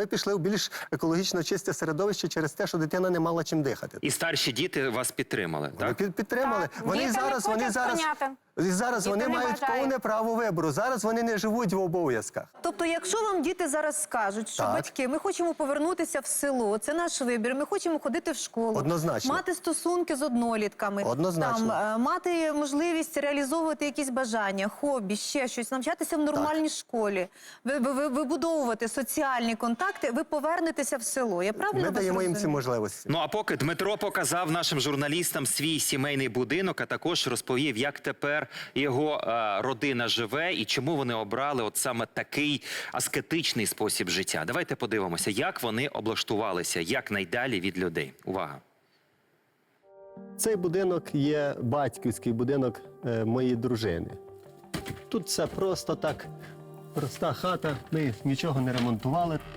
ми пішли в більш екологічно чисте середовище через те, що дитина не мала чим дихати. І старші діти вас підтримали, так? Підтримали. Так. Діти не хочуть Зараз вони не мають бажають. повне право вибору. Зараз вони не живуть в обов'язках. Тобто, якщо вам діти зараз скажуть, що Так. батьки, ми хочемо повернутися в село, це наш вибір, ми хочемо ходити в школу, Однозначно. мати стосунки з однолітками, Однозначно. мати можливість реалізовувати якісь бажання, хобі, ще щось, навчатися в нормальній школі, вибудовувати соціальні контакти, ви повернетеся в село. Я правильно Ми вас даємо їм ці розумію? можливості. Ну а поки Дмитро показав нашим журналістам свій сімейний будинок, а також розповів, як тепер його родина живе і чому вони обрали от саме такий аскетичний спосіб життя. Давайте подивимося, як вони облаштувалися якнайдалі від людей. Увага! Цей будинок є батьківський будинок моєї дружини. Тут все просто так, проста хата, ми нічого не ремонтували.